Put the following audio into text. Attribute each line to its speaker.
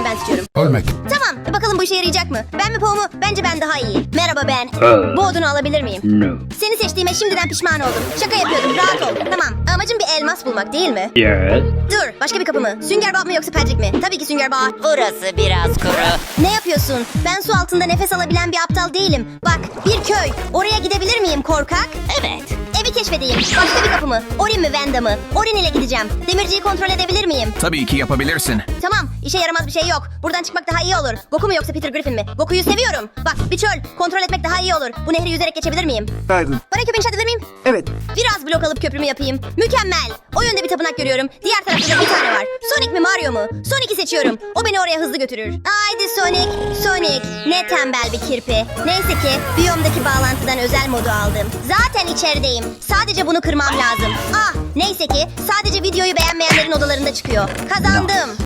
Speaker 1: ben seçiyorum.
Speaker 2: Ölmek.
Speaker 1: Tamam, bakalım bu işe yarayacak mı? Ben mi Po mu? Bence ben daha iyi. Merhaba ben. Bu odunu alabilir miyim?
Speaker 3: No.
Speaker 1: Seni seçtiğime şimdiden pişman oldum. Şaka yapıyordum, rahat ol. Tamam, amacım bir elmas bulmak değil mi?
Speaker 3: Yes.
Speaker 1: Dur, başka bir kapı mı? Sünger Bob mu yoksa Patrick mi? Tabii ki Sünger Bob.
Speaker 4: Burası biraz kuru.
Speaker 1: Ne yapıyorsun? Ben su altında nefes alabilen bir aptal değilim. Bak, bir köy. Oraya gidebilir miyim korkak?
Speaker 4: Evet.
Speaker 1: Evi keşfedeyim. Başka bir kapı mı? Orin mi Vanda mı? Orin ile gideceğim. Demirciyi kontrol edebilir miyim?
Speaker 2: Tabii ki yapabilirsin.
Speaker 1: Tamam, işe yaramaz bir şey yok. Buradan çıkmak daha iyi olur. Goku mu yoksa Peter Griffin mi? Goku'yu seviyorum. Bak, bir çöl. Kontrol etmek daha iyi olur. Bu nehri yüzerek geçebilir miyim?
Speaker 5: Pardon.
Speaker 1: Bana köpü inşa edebilir miyim?
Speaker 5: Evet.
Speaker 1: Biraz blok alıp köprümü yapayım. Mükemmel. O yönde bir tapınak görüyorum. Diğer tarafta da bir tane var. Sonic mi Mario mu? Sonic'i seçiyorum. O beni oraya hızlı götürür. Haydi Sonic. Sonic. Ne tembel bir kirpi. Neyse ki biyomdaki bağlantıdan özel modu aldım. Zaten içerideyim. Sadece bunu kırmam lazım. Ah, neyse ki sadece videoyu beğenmeyenlerin odalarında çıkıyor. Kazandım.